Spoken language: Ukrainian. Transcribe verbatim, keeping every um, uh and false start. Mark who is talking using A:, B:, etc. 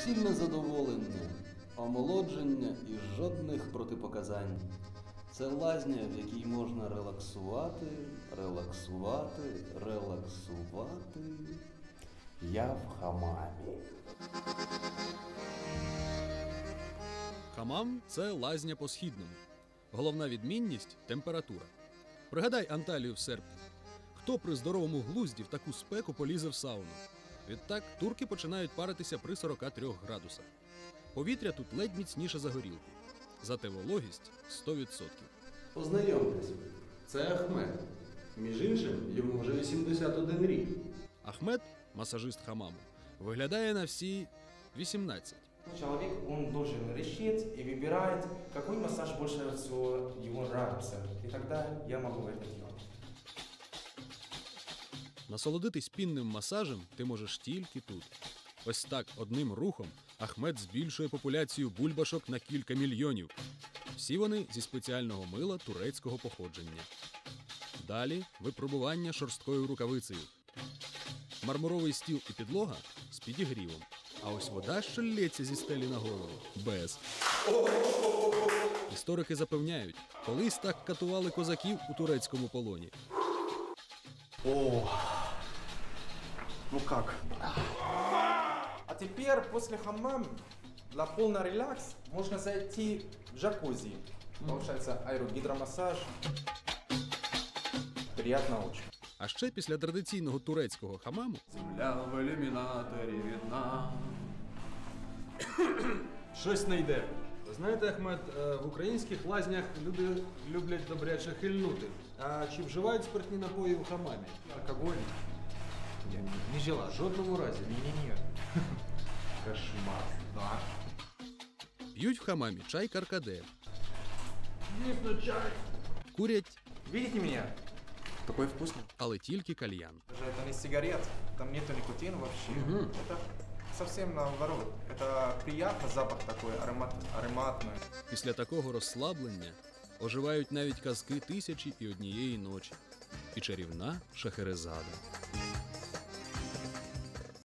A: суцільне задоволення, омолодження і жодних протипоказань. Це лазня, в якій можна релаксувати, релаксувати, релаксувати. Я в хамамі.
B: Хамам – це лазня по-східному. Головна відмінність – температура. Пригадай Анталію в серпні. Хто при здоровому глузді в таку спеку полізе в сауну? Відтак турки починають паритися при сорока трьох градусах. Повітря тут ледь міцніше за горілку. Зате вологість – сто відсотків.
A: Познайомтесь, це Ахмед. Між іншим, йому вже вісімдесят один рік.
B: Ахмед, масажист хамаму, виглядає на всі вісімнадцять.
C: Человек, он должен решить и выбирает, какой массаж больше всего ему нравится. И тогда я могу это делать.
B: Насолодитись пінним масажем ти можеш тільки тут. Ось так, одним рухом, Ахмед збільшує популяцію бульбашок на кілька мільйонів. Всі вони зі спеціального мила турецького походження. Далі випробування шорсткою рукавицею. Мармуровий стіл і підлога з підігрівом. А ось вода, що лється зі стелі на голову – без. Історики запевняють, колись так катували козаків у турецькому полоні.
D: О, ну как?
C: А теперь после хаммама для полного релакса можно зайти в джакузи. Получается аэрогидромассаж. Приятно очень.
B: А ще після традиційного турецького хамаму
D: Земля в ілюмінаторі видна.
A: Щось не йде. Знаєте, Ахмед, в українських лазнях люди люблять добряче хильнути. А чи вживають спиртні напої в хамамі?
C: Алкоголь? Я не, не жила.
A: В жодному разі.
C: Не-не-не.
A: Кошмар.
C: Да.
B: п'ють в хамамі чай каркаде,
A: Дійсно чай.
B: курять,
C: Видите меня? Такой вкусный.
B: але тільки кальян.
C: Даже это не сигарет, там нету никотина вообще. Это совсем наоборот. Это приятный запах такой, аромат, ароматный.
B: Після такого розслаблення оживають навіть казки «Тисячі і однієї ночі» і чарівна Шахерезада.